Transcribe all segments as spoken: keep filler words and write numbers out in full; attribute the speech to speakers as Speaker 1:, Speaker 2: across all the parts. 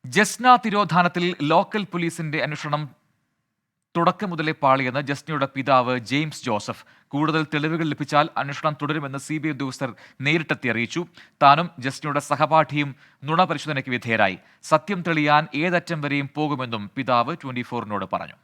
Speaker 1: Jasna തിരോധാനത്തിൽ local പോലീസിന്റെ അന്വേഷണം തുടക്കം മുതലേ പാളിയെന്ന് ജസ്നയുടെ പിതാവ് ജെയിംസ് ജോസഫ്. കൂടുതൽ തെളിവുകൾ ലഭിച്ചാൽ അന്വേഷണം തുടരുമെന്ന് സി ബി ഐ ഉദ്യോഗസ്ഥർ നേരിട്ടെത്തി അറിയിച്ചു. താനും ജസ്നയുടെ സഹപാഠിയും നുണ പരിശോധനയ്ക്ക് വിധേയരായി. സത്യം തെളിയാൻ ഏതറ്റം വരെയും പോകുമെന്നും പിതാവ് ട്വന്റി ഫോറിനോട് പറഞ്ഞു.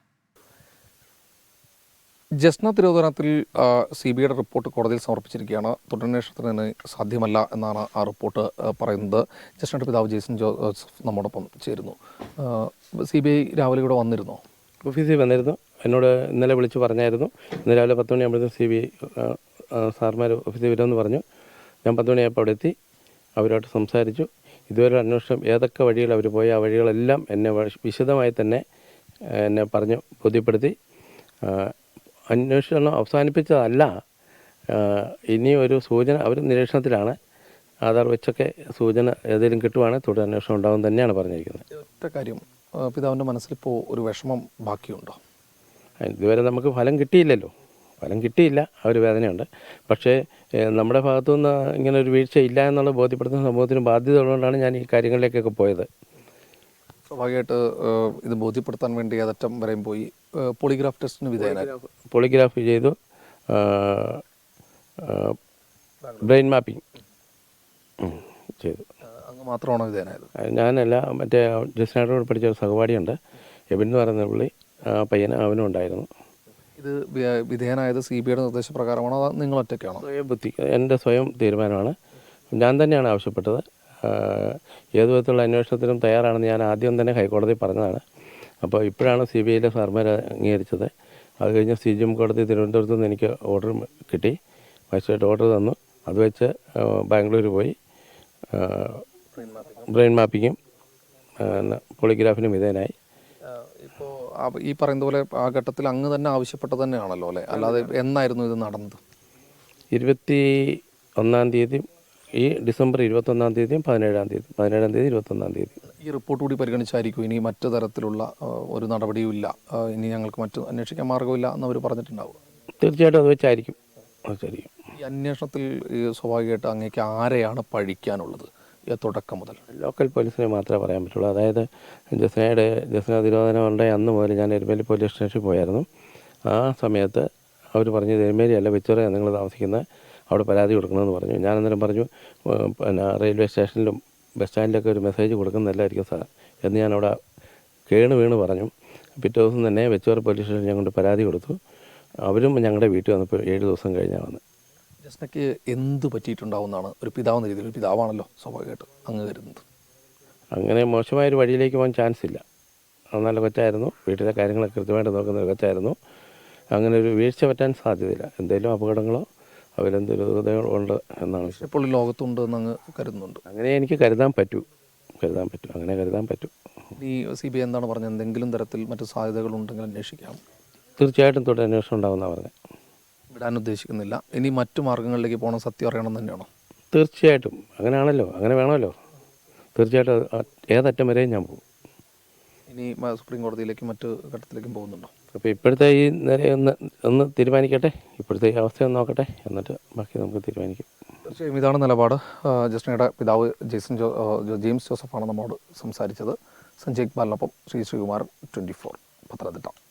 Speaker 2: ജസ്ന തിരോധാനത്തിൽ സി ബി ഐയുടെ റിപ്പോർട്ട് കോടതിയിൽ സമർപ്പിച്ചിരിക്കുകയാണ്. തുടരന്വേഷണത്തിന് സാധ്യമല്ല എന്നാണ് ആ റിപ്പോർട്ട് പറയുന്നത്. ജസ്നയുടെ പിതാവ് ജെയ്സൺ ജോസഫ് നമ്മോടൊപ്പം ചേരുന്നു. സി ബി ഐ രാവിലെ ഇവിടെ വന്നിരുന്നോ?
Speaker 3: ഓഫീസിൽ വന്നിരുന്നു. എന്നോട് ഇന്നലെ വിളിച്ച് പറഞ്ഞായിരുന്നു. ഇന്ന് രാവിലെ പത്ത് മണിയാകുമ്പോഴത്തേക്കും സി ബി ഐ സാർമാർ ഓഫീസിൽ വരുമെന്ന് പറഞ്ഞു. ഞാൻ പത്ത് മണിയായപ്പോൾ അവിടെ എത്തി. അവരോട്ട് സംസാരിച്ചു. ഇതുവരെ അന്വേഷണം ഏതൊക്കെ വഴികൾ അവർ പോയി ആ വഴികളെല്ലാം എന്നെ വിശദമായി തന്നെ എന്നെ പറഞ്ഞു ബോധ്യപ്പെടുത്തി. അന്വേഷണം അവസാനിപ്പിച്ചതല്ല, ഇനി ഒരു സൂചന അവർ നിരീക്ഷണത്തിലാണ്. ആധാർ വെച്ചൊക്കെ സൂചന ഏതെങ്കിലും കിട്ടുവാണെങ്കിൽ തുടർ അന്വേഷണം ഉണ്ടാകും തന്നെയാണ് പറഞ്ഞിരിക്കുന്നത്.
Speaker 2: ഒറ്റ കാര്യം, പിതാവിൻ്റെ മനസ്സിലിപ്പോൾ ഒരു വിഷമം ബാക്കിയുണ്ടോ?
Speaker 3: ഇതുവരെ നമുക്ക് ഫലം കിട്ടിയില്ലല്ലോ, ഫലം കിട്ടിയില്ല, ആ ഒരു വേദനയുണ്ട്. പക്ഷേ നമ്മുടെ ഭാഗത്തുനിന്ന് ഇങ്ങനെ ഒരു വീഴ്ച ഇല്ല എന്നുള്ള ബോധ്യപ്പെടുത്തുന്ന സമൂഹത്തിന് ബാധ്യത ഉള്ളതുകൊണ്ടാണ് ഞാൻ ഈ കാര്യങ്ങളിലേക്കൊക്കെ പോയത്.
Speaker 2: സ്വാഭാവികമായിട്ട് ഇത് ബോധ്യപ്പെടുത്താൻ വേണ്ടി ഏതറ്റം വരെയും പോയി. പോളിഗ്രാഫ് ടെസ്റ്റിന് വിധേയനായി.
Speaker 3: പോളിഗ്രാഫ് ചെയ്തു, ബ്രെയിൻ മാപ്പിംഗ് ചെയ്തു.
Speaker 2: അങ്ങ് മാത്രമാണോ വിധേയനായത്?
Speaker 3: ഞാനല്ല, മറ്റേ ജസ്നയോട് പഠിച്ച ഒരു സഹപാഠിയുണ്ട്, എബിൻ എന്ന് പറയുന്ന പുള്ളി, ആ പയ്യന് അവനും ഉണ്ടായിരുന്നു.
Speaker 2: ഇത് വിധേയനായത് സി ബി ഐയുടെ നിർദ്ദേശപ്രകാരമാണോ അതോ നിങ്ങൾ ഒറ്റയ്ക്കാണോ?
Speaker 3: സ്വയം ബുദ്ധി, എൻ്റെ സ്വയം തീരുമാനമാണ്. ഞാൻ തന്നെയാണ് ആവശ്യപ്പെട്ടത്. ഏതു വിധത്തിലുള്ള അന്വേഷണത്തിനും തയ്യാറാണെന്ന് ഞാൻ ആദ്യം തന്നെ ഹൈക്കോടതി പറഞ്ഞതാണ്. അപ്പോൾ ഇപ്പോഴാണ് സി ബി ഐയിലെ സാർമാർ അംഗീകരിച്ചത്. അത് കഴിഞ്ഞ് സി ജി എം കോടതി തിരുവനന്തപുരത്ത് നിന്ന് എനിക്ക് ഓർഡർ കിട്ടി, മജിസ്ട്രേറ്റ് ഓർഡർ തന്നു. അത് വെച്ച് ബാംഗ്ലൂർ പോയി ബ്രെയിൻ മാപ്പിങ്ങും പോളിഗ്രാഫിനും വിധേയനായി.
Speaker 2: ഇപ്പോൾ ഈ പറയുന്ന പോലെ ആ ഘട്ടത്തിൽ അങ്ങ് തന്നെ ആവശ്യപ്പെട്ടത് തന്നെയാണല്ലോ അല്ലേ? അല്ലാതെ എന്നായിരുന്നു ഇത് നടന്നത്?
Speaker 3: ഇരുപത്തി ഒന്നാം തീയതി ഈ ഡിസംബർ ഇരുപത്തൊന്നാം തീയതിയും പതിനേഴാം തീയതി പതിനേഴാം തീയതി ഇരുപത്തൊന്നാം തീയതി
Speaker 2: ഈ റിപ്പോർട്ട് കൂടി പരിഗണിച്ചായിരിക്കും ഇനി മറ്റു തരത്തിലുള്ള ഒരു നടപടിയുമില്ല, ഇനി ഞങ്ങൾക്ക് മറ്റു അന്വേഷിക്കാൻ മാർഗമില്ല എന്നവർ പറഞ്ഞിട്ടുണ്ടാവും?
Speaker 3: തീർച്ചയായിട്ടും അത് വെച്ചായിരിക്കും അതായിരിക്കും
Speaker 2: ഈ അന്വേഷണത്തിൽ സ്വാഭാവികമായിട്ട് അങ്ങേക്ക് ആരെയാണ് പഴിക്കാനുള്ളത്? തുടക്കം മുതൽ
Speaker 3: ലോക്കൽ പോലീസിനെ മാത്രമേ പറയാൻ പറ്റുള്ളൂ. അതായത് ജസ്നയുടെ ജസ്ന തിരോധാനം ഉണ്ടായ അന്ന് മുതൽ ഞാൻ എരുമേലി പോലീസ് സ്റ്റേഷനിൽ പോയായിരുന്നു. ആ സമയത്ത് അവർ പറഞ്ഞു എരുമേലി അല്ല വെച്ചോറ നിങ്ങൾ താമസിക്കുന്നത്, അവിടെ പരാതി കൊടുക്കണമെന്ന് പറഞ്ഞു. ഞാൻ അന്നേരം പറഞ്ഞു പിന്നെ റെയിൽവേ സ്റ്റേഷനിലും ബസ് സ്റ്റാൻഡിലൊക്കെ ഒരു മെസ്സേജ് കൊടുക്കുന്നതല്ലായിരിക്കും സാർ എന്ന് ഞാൻ അവിടെ കേണ് വീണ് പറഞ്ഞു. പിറ്റേ ദിവസം തന്നെ വെച്ചോറ പോലീസ് സ്റ്റേഷനിൽ ഞാൻ കൊണ്ട് പരാതി കൊടുത്തു. അവരും ഞങ്ങളുടെ വീട്ടിൽ വന്നപ്പോൾ ഏഴ് ദിവസം കഴിഞ്ഞാൽ വന്ന്.
Speaker 2: ജസ്നയ്ക്ക് എന്ത് പറ്റിയിട്ടുണ്ടാവുമെന്നാണ് ഒരു പിതാവെന്ന രീതിയിൽ, ഒരു പിതാവാണല്ലോ സ്വാഭാവികമായിട്ട് അങ്ങ് കരുതുന്നത്?
Speaker 3: അങ്ങനെ മോശമായൊരു വഴിയിലേക്ക് പോകാൻ ചാൻസ് ഇല്ല. നല്ല കൊച്ചായിരുന്നു, വീട്ടിലെ കാര്യങ്ങളൊക്കെ കൃത്യമായിട്ട് നോക്കുന്ന ഒരു കൊച്ചായിരുന്നു. അങ്ങനെ ഒരു വീഴ്ച പറ്റാൻ സാധ്യതയില്ല. എന്തെങ്കിലും അപകടങ്ങളോ അവരെന്തൊരു ഉണ്ട് എന്നാണ്.
Speaker 2: ഇപ്പോൾ ലോകത്തുണ്ട് എന്ന് അങ്ങ് കരുതുന്നുണ്ട്?
Speaker 3: അങ്ങനെ എനിക്ക് കരുതാൻ പറ്റൂ കരുതാൻ പറ്റും അങ്ങനെ കരുതാൻ പറ്റും.
Speaker 2: ഈ സി ബി ഐ എന്താണ് പറഞ്ഞത്? എന്തെങ്കിലും തരത്തിൽ മറ്റു സാധ്യതകളുണ്ടെങ്കിൽ അന്വേഷിക്കാം.
Speaker 3: തീർച്ചയായിട്ടും തുടർ അന്വേഷണം ഉണ്ടാകുമെന്നാണ് പറഞ്ഞത്.
Speaker 2: വിടാൻ ഉദ്ദേശിക്കുന്നില്ല. ഇനി മറ്റു മാർഗ്ഗങ്ങളിലേക്ക് പോകണം, സത്യം അറിയണം തന്നെയാണോ?
Speaker 3: തീർച്ചയായിട്ടും അങ്ങനെയാണല്ലോ, അങ്ങനെ വേണമല്ലോ. തീർച്ചയായിട്ടും ഏതറ്റം വരെയും ഞാൻ പോകും.
Speaker 2: ഇനി സുപ്രീം കോടതിയിലേക്കും മറ്റു ഘട്ടത്തിലേക്കും പോകുന്നുണ്ടോ?
Speaker 3: അപ്പോൾ ഇപ്പോഴത്തെ ഈ നേരെ ഒന്ന് ഒന്ന് തീരുമാനിക്കട്ടെ, ഇപ്പോഴത്തെ ഈ അവസ്ഥയൊന്ന് നോക്കട്ടെ, എന്നിട്ട് ബാക്കി നമുക്ക് തീരുമാനിക്കും.
Speaker 2: തീർച്ചയായും ഇതാണ് നിലപാട്. ജസ്നയുടെ പിതാവ് ജെയ്സൺ ജോ ജെയിംസ് ജോസഫാണ് നമ്മോട് സംസാരിച്ചത്. സഞ്ജയ് ഇക്ബാലിനൊപ്പം ശ്രീ ശ്രീകുമാരൻ, ട്വൻറ്റി ഫോർ, പത്തനംതിട്ട.